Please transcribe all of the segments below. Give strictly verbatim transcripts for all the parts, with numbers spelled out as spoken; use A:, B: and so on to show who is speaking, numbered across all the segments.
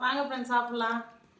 A: வாங்க ஃப்ரெண்ட்ஸ் சாப்பிடலாம்.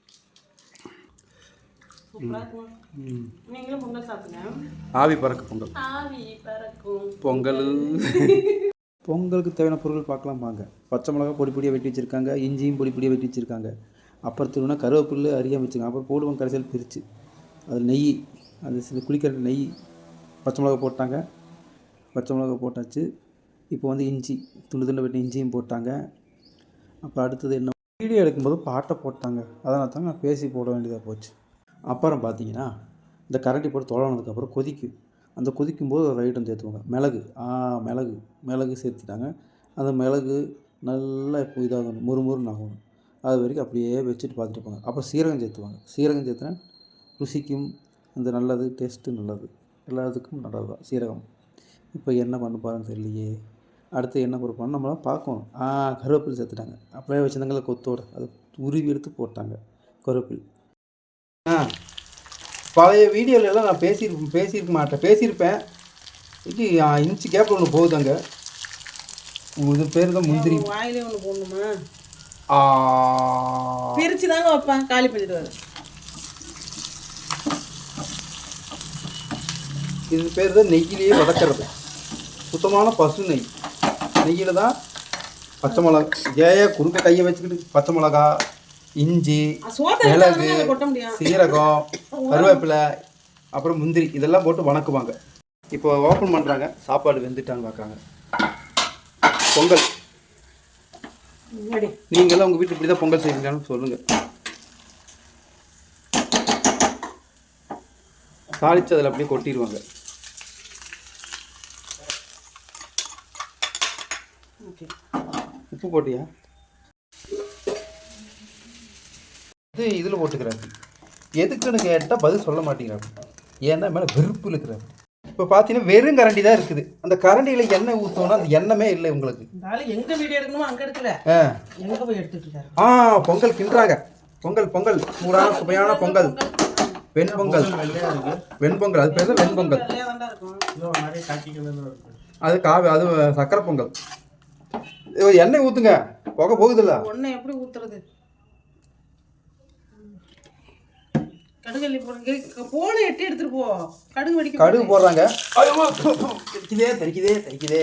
A: நீங்களும் பொங்கல் சாப்பிடுங்க.
B: ஆவி பறக்கும் பொங்கல்.
A: ஆவி பறக்கும்
B: பொங்கல். பொங்கலுக்கு தேவையான பொருட்கள் பார்க்கலாம் வாங்க. பச்சை மிளகா பொடி பொடியாக வெட்டி வச்சுருக்காங்க, இஞ்சியும் பொடி பொடியாக வெட்டி வச்சுருக்காங்க. அப்புறம் திருவினா கருவேப்பில்லை அரியாக வச்சுருக்காங்க. அப்புறம் போடுவாங்க கடைசியில் பிரித்து அதில் நெய், அது சில குளிக்கிற நெய், பச்சை மிளகா போட்டாங்க. பச்சை மிளகா போட்டாச்சு. இப்போ வந்து இஞ்சி துண்டு துண்டு வெட்டி இஞ்சியும் போட்டாங்க. அப்புறம் அடுத்தது என்ன, வீடியோ எடுக்கும்போது பாட்டை போட்டாங்க. அதனால தான் நான் பேசி போட வேண்டியதாக போச்சு. அப்புறம் பார்த்தீங்கன்னா இந்த கரண்டி போட்டு தொலைனதுக்கப்புறம் கொதிக்கும். அந்த கொதிக்கும்போது ஒரு ஐட்டம் சேர்த்துவாங்க, மிளகு. ஆ மிளகு மிளகு சேர்த்துட்டாங்க. அந்த மிளகு நல்லா இப்போ இதாகணும், முறுமுறுன்னு ஆகணும். அது வரைக்கும் அப்படியே வச்சுட்டு பார்த்துட்டு இருப்பாங்க. அப்புறம் சீரகம் சேர்த்துவாங்க. சீரகம் சேர்த்துனா ருசிக்கும் இந்த நல்லது, டேஸ்ட்டு நல்லது, எல்லாத்துக்கும் நல்லது தான் சீரகம். இப்போ என்ன பண்ண போகிறேன்னு தெரியலையே. அடுத்து என்ன பொறுப்பான நம்மளாம் பார்க்கணும். ஆ கருவேப்பில் சேர்த்துட்டாங்க. அப்படியே வச்சுருந்தாங்கள கொத்தோடு அதை உருவி எடுத்து போட்டாங்க கருவேப்பில். ஆ பழைய வீடியோலெல்லாம் நான் பேசியிருப்பேன் பேசியிருக்க மாட்டேன் பேசியிருப்பேன் இது இன்ச்சு கேப்பில் ஒன்று போகுதாங்க. இது பேர் தான் முந்திரி.
A: வாயிலே ஒன்று போடணுமா? பிரித்து தாங்க வைப்பேன், காலி பண்ணிட்டு வர.
B: இது பேர் தான் நெய்யிலேயே வதக்கிறது. சுத்தமான பசு நெய். நெய்யில் தான் பச்சை மிளகா, ஏய குறுக்க கையை வச்சுக்கிட்டு பச்சை மிளகா, இஞ்சி, மிளகு, சீரகம், கருவேப்பிலை, அப்புறம் முந்திரி இதெல்லாம் போட்டு வணக்குவாங்க. இப்போ ஓப்பன் பண்ணுறாங்க. சாப்பாடு வெந்துட்டான்னு பார்க்குறாங்க. பொங்கல். நீங்களாம் உங்கள் வீட்டில் இப்படி தான் பொங்கல் செய்வீங்களான்னு சொல்லுங்கள். தாளித்து அதில் அப்படியே கொட்டிடுவாங்க. உப்பு போட்டியா? இது இதில் போட்டுக்கிறாரு. எதுக்குன்னு கேட்டால் பதில் சொல்ல மாட்டேங்கிறாரு. ஏன்னா மேலே வெறுப்பு இருக்கிறாரு. இப்போ பார்த்தீங்கன்னா வெறும் கரண்டி தான் இருக்குது. அந்த கரண்டியில் எண்ணெய் ஊற்றோன்னா அந்த எண்ணமே இல்லை உங்களுக்கு.
A: எங்கே வீடியோ எடுக்கணுமோ அங்கே எடுக்கல.
B: ஆ
A: எங்கே போய் எடுத்துட்டு இருக்காரு.
B: ஆ பொங்கல் கிண்டுறாங்க. பொங்கல் பொங்கல் சூடான சுவையான பொங்கல். வெண்பொங்கல். வெண்பொங்கல் அது பேர் தான் வெண்பொங்கல். அது காவி, அது சக்கரை பொங்கல். எண்ணெய் ஊற்றுங்க, புகை போகுதுல்ல.
A: ஒன்றை எப்படி ஊற்றுறது? கடுகு போடுங்க. போன எட்டி எடுத்துட்டு போ. கடுகு வெடிக்க
B: கடுகு போடுறாங்க. தெரிக்குதே தெரிக்குதே தெரிக்குதே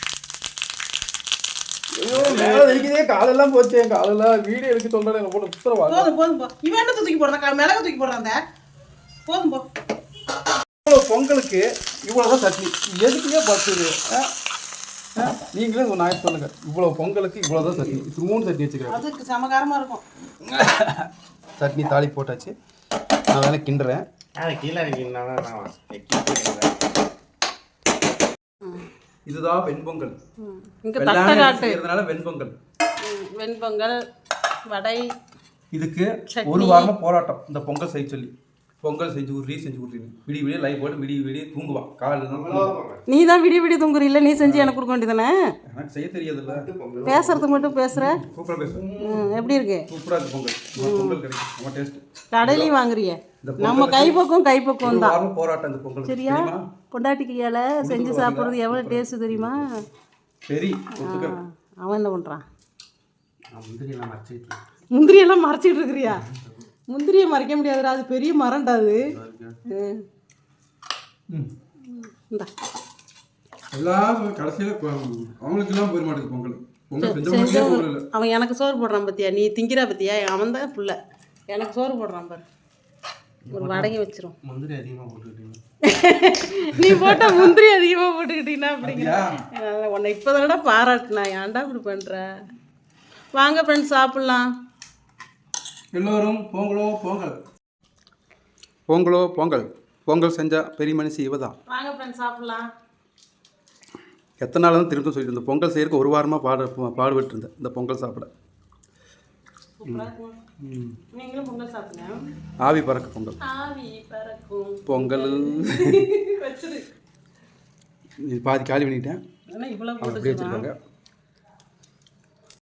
B: ஐயோ மேலே தெரிக்குதே. காலெல்லாம் போச்சு. என் காலெல்லாம் வீடியோ எடுக்க சொல்கிறேன். போட்டு உத்தரவா.
A: போதும் போதும் போ. இவன் என்ன தூக்கி போடுறான்? மிளகா தூக்கி போடுறான். போதும் போ.
B: இவ்வளோ பொங்கலுக்கு இவ்வளோதான் சட்னி. எதுக்குமே பத்துது. நீங்களே ஒரு நாய் சொல்லுங்க. இவ்வளோ பொங்கலுக்கு இவ்வளோதான் சட்னி. மூணு சட்னி வச்சுக்கிறேன்.
A: அதுக்கு சமகாரமாக இருக்கும்.
B: சட்னி தாளி போட்டாச்சு. நான் வேணா கிண்டுறேன். இதுதான் வெண்பொங்கல். இதனால வெண்பொங்கல்.
A: வெண்பொங்கல் வடை.
B: இதுக்கு ஒரு வாரமா போராட்டம் இந்த பொங்கல் செய்ய சொல்லி. பொங்கல் செஞ்சு விட்றி செஞ்சு விட்றீங்க. விடிய விடிய லைவ் போட்டு விடிய விடிய தூங்குவான். காலையில்
A: நீ தான் விடிய விடிய தூங்குற. இல்லை நீ செஞ்சு எனக்கு கொடுக்க வேண்டியதானே.
B: எனக்கு செய்ய தெரியாதுல்ல.
A: பேசுறதுக்கு மட்டும் பேசுற.
B: சூப்பராக பேசுறேன்.
A: எப்படி இருக்கு?
B: சூப்பராக இருக்கு பொங்கல். பொங்கல் கிடைக்கும் நம்ம டேஸ்ட்.
A: கடையிலையும் வாங்குறிய. நம்ம கைப்பக்கம் கைப்பக்கம் தான்.
B: போராட்டம் இந்த பொங்கல்.
A: சரியா? பொண்டாட்டி கையால் செஞ்சு சாப்பிட்றது எவ்வளோ டேஸ்ட் தெரியுமா?
B: சரி.
A: அவன் என்ன பண்ணுறான்?
B: முந்திரியெல்லாம் மறைச்சிட்டு
A: முந்திரியெல்லாம் மறைச்சிட்டு இருக்கிறியா? முந்திரியை மறைக்க முடியாதுடா, அது பெரிய மரம்டா அது.
B: எல்லாம் கடைசியில் அவங்களுக்கெல்லாம் போயிட மாட்டேங்குது பொங்கல்.
A: அவன் எனக்கு சோறு போடுறான் பத்தியா? நீ திங்கிறா பத்தியா? அவன் தான் புள்ள எனக்கு சோறு போடுறான் பாரு. ஒரு வடகை வச்சிரும்.
B: முந்திரி அதிகமாக போட்டுக்கிட்டீங்க.
A: நீ போட்ட முந்திரி அதிகமாக போட்டுக்கிட்டீங்கன்னா அப்படிங்கிற உன்னை இப்போதானடா பாராட்டுனா. ஏன்டா இப்படி பண்ணுற? வாங்க ஃப்ரெண்ட்ஸ் சாப்பிட்லாம்.
B: எல்லோரும் பொங்கலோ பொங்கல். பொங்கலோ பொங்கல். பொங்கல் செஞ்சால் பெரிய மனுஷி இவ தான்.
A: வாங்க ஃப்ரெண்ட்ஸ் சாப்பிட்லாம்.
B: எத்தனை நாள் தான் திரும்ப சொல்லிட்டு இருந்தேன். பொங்கல் செய்யறதுக்கு ஒரு வாரமாக பாடு பாடுபட்டு இருந்தேன் இந்த பொங்கல் சாப்பிட.
A: நீங்களும் பொங்கல் சாப்பிடுங்க.
B: ஆவி பறக்கும் பொங்கல்.
A: ஆவி பறக்கும்
B: பொங்கல். பாதி காலி பண்ணிட்டேன்.
A: இவ்வளோ
B: அப்படியே வச்சுருக்காங்க.